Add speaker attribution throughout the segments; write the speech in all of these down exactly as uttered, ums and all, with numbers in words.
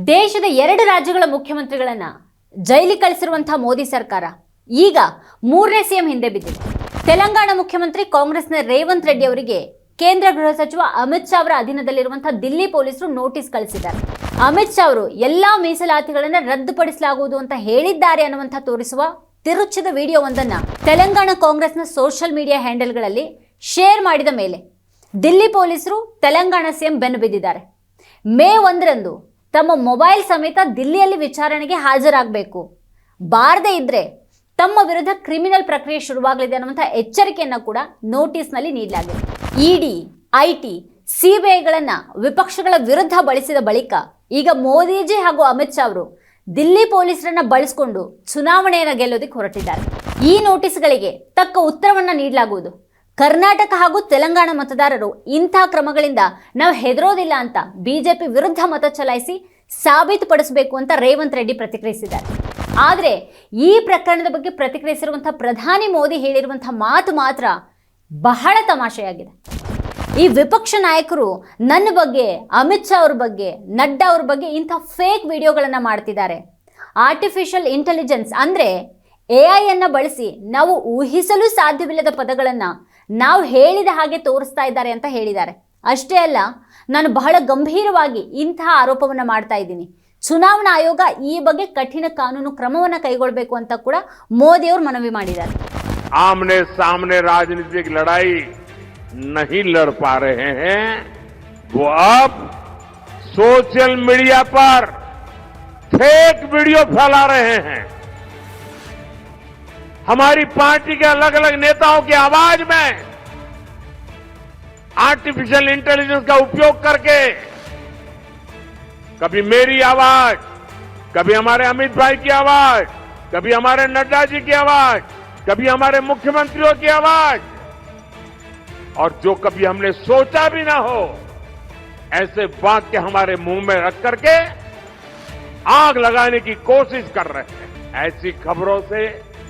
Speaker 1: ದೇಶದ ಎರಡು ರಾಜ್ಯಗಳ ಮುಖ್ಯಮಂತ್ರಿಗಳನ್ನ ಜೈಲಿಗೆ ಕಳಿಸಿರುವಂತಹ ಮೋದಿ ಸರ್ಕಾರ ಈಗ ಮೂರನೇ ಸಿಎಂ ಹಿಂದೆ ಬಿದ್ದಿದೆ. ತೆಲಂಗಾಣ ಮುಖ್ಯಮಂತ್ರಿ ಕಾಂಗ್ರೆಸ್ನ ರೇವಂತ್ ರೆಡ್ಡಿ ಅವರಿಗೆ ಕೇಂದ್ರ ಗೃಹ ಸಚಿವ ಅಮಿತ್ ಶಾ ಅವರ ಅಧೀನದಲ್ಲಿರುವಂತಹ ದಿಲ್ಲಿ ಪೊಲೀಸರು ನೋಟಿಸ್ ಕಳಿಸಿದ್ದಾರೆ. ಅಮಿತ್ ಶಾ ಅವರು ಎಲ್ಲಾ ಮೀಸಲಾತಿಗಳನ್ನು ರದ್ದುಪಡಿಸಲಾಗುವುದು ಅಂತ ಹೇಳಿದ್ದಾರೆ ಅನ್ನುವಂಥ ತೋರಿಸುವ ತಿರುಚಿದ ವಿಡಿಯೋವೊಂದನ್ನ ತೆಲಂಗಾಣ ಕಾಂಗ್ರೆಸ್ನ ಸೋಷಿಯಲ್ ಮೀಡಿಯಾ ಹ್ಯಾಂಡಲ್ಗಳಲ್ಲಿ ಶೇರ್ ಮಾಡಿದ ಮೇಲೆ ದಿಲ್ಲಿ ಪೊಲೀಸರು ತೆಲಂಗಾಣ ಸಿಎಂ ಬೆನ್ನು ಬಿದ್ದಿದ್ದಾರೆ. ಮೇ ಒಂದರಂದು ತಮ್ಮ ಮೊಬೈಲ್ ಸಮೇತ ದಿಲ್ಲಿಯಲ್ಲಿ ವಿಚಾರಣೆಗೆ ಹಾಜರಾಗಬೇಕು, ಬಾರದೇ ಇದ್ರೆ ತಮ್ಮ ವಿರುದ್ಧ ಕ್ರಿಮಿನಲ್ ಪ್ರಕ್ರಿಯೆ ಶುರುವಾಗಲಿದೆ ಅನ್ನುವಂಥ ಎಚ್ಚರಿಕೆಯನ್ನು ಕೂಡ ನೋಟಿಸ್ನಲ್ಲಿ ನೀಡಲಾಗಿದೆ. ಇಡಿ, ಐಟಿ, ಸಿಬಿಐಗಳನ್ನ ವಿಪಕ್ಷಗಳ ವಿರುದ್ಧ ಬಳಸಿದ ಬಳಿಕ ಈಗ ಮೋದಿಜಿ ಹಾಗೂ ಅಮಿತ್ ಶಾ ಅವರು ದಿಲ್ಲಿ ಪೊಲೀಸರನ್ನ ಬಳಸಿಕೊಂಡು ಚುನಾವಣೆಯನ್ನು ಗೆಲ್ಲೋದಕ್ಕೆ ಹೊರಟಿದ್ದಾರೆ. ಈ ನೋಟಿಸ್ಗಳಿಗೆ ತಕ್ಕ ಉತ್ತರವನ್ನ ನೀಡಲಾಗುವುದು. ಕರ್ನಾಟಕ ಹಾಗೂ ತೆಲಂಗಾಣ ಮತದಾರರು ಇಂಥ ಕ್ರಮಗಳಿಂದ ನಾವು ಹೆದರೋದಿಲ್ಲ ಅಂತ ಬಿಜೆಪಿ ವಿರುದ್ಧ ಮತ ಚಲಾಯಿಸಿ ಸಾಬೀತುಪಡಿಸಬೇಕು ಅಂತ ರೇವಂತ್ ರೆಡ್ಡಿ ಪ್ರತಿಕ್ರಿಯಿಸಿದ್ದಾರೆ. ಆದರೆ ಈ ಪ್ರಕರಣದ ಬಗ್ಗೆ ಪ್ರತಿಕ್ರಿಯಿಸಿರುವಂತಹ ಪ್ರಧಾನಿ ಮೋದಿ ಹೇಳಿರುವಂತಹ ಮಾತು ಮಾತ್ರ ಬಹಳ ತಮಾಷೆಯಾಗಿದೆ. ಈ ವಿಪಕ್ಷ ನಾಯಕರು ನನ್ನ ಬಗ್ಗೆ, ಅಮಿತ್ ಶಾ ಅವ್ರ ಬಗ್ಗೆ, ನಡ್ಡಾ ಅವ್ರ ಬಗ್ಗೆ ಇಂಥ ಫೇಕ್ ವಿಡಿಯೋಗಳನ್ನು ಮಾಡ್ತಿದ್ದಾರೆ. ಆರ್ಟಿಫಿಷಿಯಲ್ ಇಂಟೆಲಿಜೆನ್ಸ್ ಅಂದರೆ ಎ ಐ ಅನ್ನು ಬಳಸಿ ನಾವು ಊಹಿಸಲು ಸಾಧ್ಯವಿಲ್ಲದ ಪದಗಳನ್ನು ನಾವು ಹೇಳಿದ ಹಾಗೆ ತೋರಿಸ್ತಾ ಇದ್ದಾರೆ ಅಂತ ಹೇಳಿದ್ದಾರೆ. ಅಷ್ಟೇ ಅಲ್ಲ, ನಾನು ಬಹಳ ಗಂಭೀರವಾಗಿ ಇಂತಹ ಆರೋಪವನ್ನು ಮಾಡ್ತಾ ಇದ್ದೀನಿ. ಚುನಾವಣಾ ಆಯೋಗ ಈ ಬಗ್ಗೆ ಕಠಿಣ ಕಾನೂನು ಕ್ರಮವನ್ನು ಕೈಗೊಳ್ಳಬೇಕು ಅಂತ ಕೂಡ ಮೋದಿ ಅವರು ಮನವಿ ಮಾಡಿದ್ದಾರೆ.
Speaker 2: आमने सामने राजनीतिक लड़ाई नहीं लड़ पा रहे हैं, वो अब सोशल मीडिया पर फेक वीडियो फैला रहे हैं. हमारी पार्टी के अलग अलग नेताओं की आवाज में आर्टिफिशियल इंटेलिजेंस का उपयोग करके कभी मेरी आवाज, कभी हमारे अमित भाई की आवाज, कभी हमारे नड्डा जी की आवाज, कभी हमारे मुख्यमंत्रियों की आवाज, और जो कभी हमने सोचा भी ना हो ऐसे वाक्य हमारे मुंह में रख करके आग लगाने की कोशिश कर रहे हैं. ऐसी खबरों से,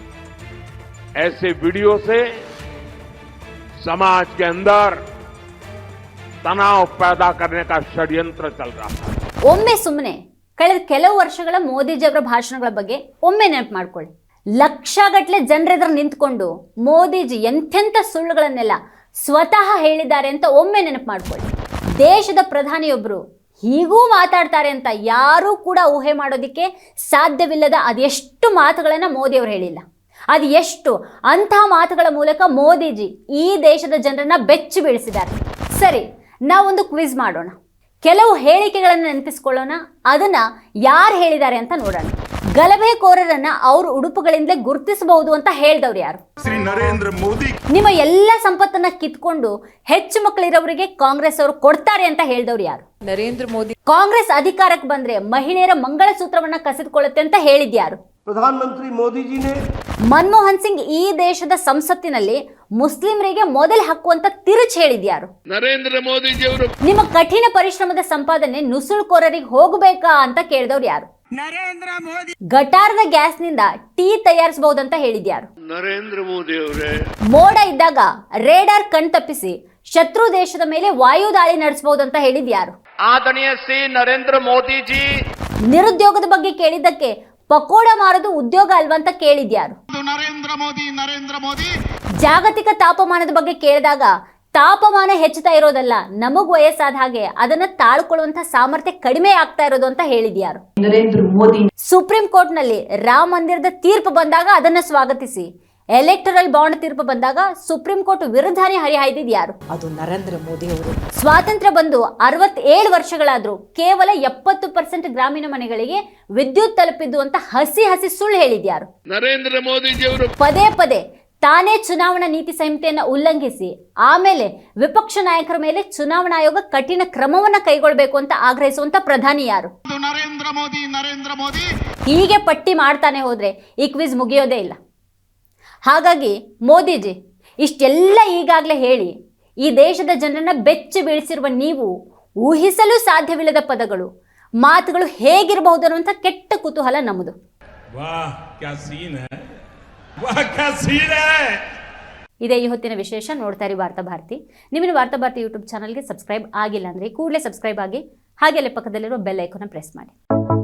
Speaker 2: ऐसे वीडियो से समाज के अंदर तनाव पैदा करने का षड्यंत्र चल रहा है.
Speaker 1: ಒಮ್ಮೆ ಸುಮ್ಮನೆ ಕಳೆದ ಕೆಲವು ವರ್ಷಗಳ ಮೋದಿಜಿ ಅವರ ಭಾಷಣಗಳ ಬಗ್ಗೆ ಒಮ್ಮೆ ನೆನಪು ಮಾಡ್ಕೊಳ್ಳಿ. ಲಕ್ಷಗಟ್ಟಲೆ ಜನರೆದುರು ನಿಂತ್ಕೊಂಡು ಮೋದಿಜಿ ಎಂತೆಂಥ ಸುಳ್ಳುಗಳನ್ನೆಲ್ಲ ಸ್ವತಃ ಹೇಳಿದ್ದಾರೆ ಅಂತ ಒಮ್ಮೆ ನೆನಪು ಮಾಡ್ಕೊಳ್ಳಿ. ದೇಶದ ಪ್ರಧಾನಿಯೊಬ್ಬರು ಹೀಗೂ ಮಾತಾಡ್ತಾರೆ ಅಂತ ಯಾರೂ ಕೂಡ ಊಹೆ ಮಾಡೋದಕ್ಕೆ ಸಾಧ್ಯವಿಲ್ಲದ ಅದೆಷ್ಟು ಮಾತುಗಳನ್ನು ಮೋದಿ ಅವರು ಹೇಳಿಲ್ಲ. ಅದು ಎಷ್ಟು ಅಂತಹ ಮಾತುಗಳ ಮೂಲಕ ಮೋದಿಜಿ ಈ ದೇಶದ ಜನರನ್ನ ಬೆಚ್ಚಿ ಬೀಳಿಸಿದ್ದಾರೆ. ಸರಿ, ನಾವೊಂದು ಕ್ವಿಜ್ ಮಾಡೋಣ. ಕೆಲವು ಹೇಳಿಕೆಗಳನ್ನು ನೆನಪಿಸ್ಕೊಳ್ಳೋಣ, ಅದನ್ನ ಯಾರು ಹೇಳಿದ್ದಾರೆ ಅಂತ ನೋಡೋಣ. ಗಲಭೆಕೋರರನ್ನ ಅವ್ರ ಉಡುಪುಗಳಿಂದಲೇ ಗುರುತಿಸಬಹುದು ಅಂತ ಹೇಳಿದವ್ರು ಯಾರು?
Speaker 3: ಶ್ರೀ ನರೇಂದ್ರ ಮೋದಿ.
Speaker 1: ನಿಮ್ಮ ಎಲ್ಲ ಸಂಪತ್ತನ್ನ ಕಿತ್ಕೊಂಡು ಹೆಚ್ಚು ಮಕ್ಕಳಿರೋರಿಗೆ ಕಾಂಗ್ರೆಸ್ ಅವರು ಕೊಡ್ತಾರೆ ಅಂತ ಹೇಳಿದವ್ರು ಯಾರು?
Speaker 4: ನರೇಂದ್ರ ಮೋದಿ.
Speaker 1: ಕಾಂಗ್ರೆಸ್ ಅಧಿಕಾರಕ್ಕೆ ಬಂದ್ರೆ ಮಹಿಳೆಯರ ಮಂಗಳಸೂತ್ರವನ್ನ ಕಸಿದುಕೊಳ್ಳುತ್ತೆ ಅಂತ ಹೇಳಿದ್ಯಾರು?
Speaker 5: ಪ್ರಧಾನಮಂತ್ರಿ ಮೋದಿಜಿನೇ.
Speaker 1: ಮನಮೋಹನ್ ಸಿಂಗ್ ಈ ದೇಶದ ಸಂಸತ್ತಿನಲ್ಲಿ ಮುಸ್ಲಿಮರಿಗೆ ಮೊದಲು ಹಾಕುವಂತ ತಿರುಚ್ ಹೇಳಿದ್ಯಾರು?
Speaker 2: नरेंद्र मोदी जी ಅವರು.
Speaker 1: ನಿಮ್ಮ ಕಠಿಣ ಪರಿಶ್ರಮದ ಸಂಪಾದನೆ ನುಸುಳುಕೋರರಿಗೆ ಹೋಗಬೇಕಾ ಅಂತ ಕೇಳಿದವ್ರು ಯಾರು?
Speaker 5: ನರೇಂದ್ರ ಮೋದಿ.
Speaker 1: ಗಟಾರದ ಗ್ಯಾಸ್ ನಿಂದ ಟೀ ತಯಾರಿಸಬಹುದಂತ ಹೇಳಿದ್ಯಾರು?
Speaker 2: ನರೇಂದ್ರ ಮೋದಿ ಅವರೇ.
Speaker 1: ಮೋಡ ಇದ್ದಾಗ ರೇಡಾರ್ ಕಣ್ ತಪ್ಪಿಸಿ ಶತ್ರು ದೇಶದ ಮೇಲೆ ವಾಯು ದಾಳಿ ನಡೆಸಬಹುದಂತ ಹೇಳಿದ್ಯಾರು?
Speaker 2: ಆದರಣೀಯ ಶ್ರೀ ನರೇಂದ್ರ ಮೋದಿ ಜಿ.
Speaker 1: ನಿರುದ್ಯೋಗದ ಬಗ್ಗೆ ಕೇಳಿದ್ದಕ್ಕೆ ಪಕೋಡ ಮಾರೋದು ಉದ್ಯೋಗ ಅಲ್ವಂತ ಕೇಳಿದ್ಯಾರು?
Speaker 5: ನರೇಂದ್ರ ಮೋದಿ. ನರೇಂದ್ರ ಮೋದಿ.
Speaker 1: ಜಾಗತಿಕ ತಾಪಮಾನದ ಬಗ್ಗೆ ಕೇಳಿದಾಗ ತಾಪಮಾನ ಹೆಚ್ಚುತ್ತಾ ಇರೋದಲ್ಲ, ನಮಗ್ ವಯಸ್ಸಾದ ಹಾಗೆ ಅದನ್ನ ತಾಳ್ಕೊಳ್ಳುವಂತ ಸಾಮರ್ಥ್ಯ ಕಡಿಮೆ ಆಗ್ತಾ ಇರೋದು ಅಂತ ಹೇಳಿದ್ಯಾರು?
Speaker 4: ನರೇಂದ್ರ ಮೋದಿ.
Speaker 1: ಸುಪ್ರೀಂ ಕೋರ್ಟ್ ನಲ್ಲಿ ರಾಮ ಮಂದಿರದ ತೀರ್ಪು ಬಂದಾಗ ಅದನ್ನ ಸ್ವಾಗತಿಸಿ ಎಲೆಕ್ಟರಲ್ ಬಾಂಡ್ ತೀರ್ಪು ಬಂದಾಗ ಸುಪ್ರೀಂ ಕೋರ್ಟ್ ವಿರುದ್ಧನೇ ಹರಿಹಾಯ್ದಿದ್ಯಾರು?
Speaker 4: ಅದು ನರೇಂದ್ರ ಮೋದಿ ಅವರು.
Speaker 1: ಸ್ವಾತಂತ್ರ್ಯ ಬಂದು ಅರವತ್ತೇಳು ವರ್ಷಗಳಾದ್ರೂ ಕೇವಲ ಎಪ್ಪತ್ತು ಪರ್ಸೆಂಟ್ ಗ್ರಾಮೀಣ ಮನೆಗಳಿಗೆ ವಿದ್ಯುತ್ ತಲುಪಿದ್ದು ಅಂತ ಹಸಿ ಹಸಿ ಸುಳ್ಳು ಹೇಳಿದ್ಯಾರು?
Speaker 2: ನರೇಂದ್ರ ಮೋದಿ ಜಿ ಅವರು.
Speaker 1: ಪದೇ ಪದೇ ತಾನೇ ಚುನಾವಣಾ ನೀತಿ ಸಂಹಿತೆಯನ್ನು ಉಲ್ಲಂಘಿಸಿ ಆಮೇಲೆ ವಿಪಕ್ಷ ನಾಯಕರ ಮೇಲೆ ಚುನಾವಣಾ ಆಯೋಗ ಕಠಿಣ ಕ್ರಮವನ್ನ ಕೈಗೊಳ್ಳಬೇಕು ಅಂತ ಆಗ್ರಹಿಸುವಂತ ಪ್ರಧಾನಿ ಯಾರು?
Speaker 5: ನರೇಂದ್ರ ಮೋದಿ. ನರೇಂದ್ರ ಮೋದಿ.
Speaker 1: ಹೀಗೆ ಪಟ್ಟಿ ಮಾಡ್ತಾನೆ ಹೋದ್ರೆ ಈ ಕ್ವಿಜ್ ಮುಗಿಯೋದೇ ಇಲ್ಲ. ಹಾಗಾಗಿ ಮೋದಿಜಿ ಇಷ್ಟೆಲ್ಲ ಈಗಾಗಲೇ ಹೇಳಿ ಈ ದೇಶದ ಜನರನ್ನ ಬೆಚ್ಚಿ ಬೀಳಿಸಿರುವ ನೀವು ಊಹಿಸಲು ಸಾಧ್ಯವಿಲ್ಲದ ಪದಗಳು, ಮಾತುಗಳು ಹೇಗಿರಬಹುದು ಅನ್ನುವಂಥ ಕೆಟ್ಟ ಕುತೂಹಲ ನಮ್ಮದು.
Speaker 3: ವಾಹ್ ಕ್ಯಾ ಸೀನ್ ಹೈ, ವಾಹ್ ಕ್ಯಾ ಸೀನ್ ಹೈ.
Speaker 1: ಇದೇ ಈ ಹೊತ್ತಿನ ವಿಶೇಷ. ನೋಡ್ತಾ ಇರಿ ವಾರ್ತಾ ಭಾರತಿ. ನಿಮ್ಮನ್ನು ವಾರ್ತಾ ಭಾರತಿ ಯೂಟ್ಯೂಬ್ ಚಾನಲ್ಗೆ ಸಬ್ಸ್ಕ್ರೈಬ್ ಆಗಿಲ್ಲ ಅಂದರೆ ಕೂಡಲೇ ಸಬ್ಸ್ಕ್ರೈಬ್ ಆಗಿ, ಹಾಗೆ ಅಲ್ಲಿ ಪಕ್ಕದಲ್ಲಿರೋ ಬೆಲ್ ಐಕಾನ್ ಪ್ರೆಸ್ ಮಾಡಿ.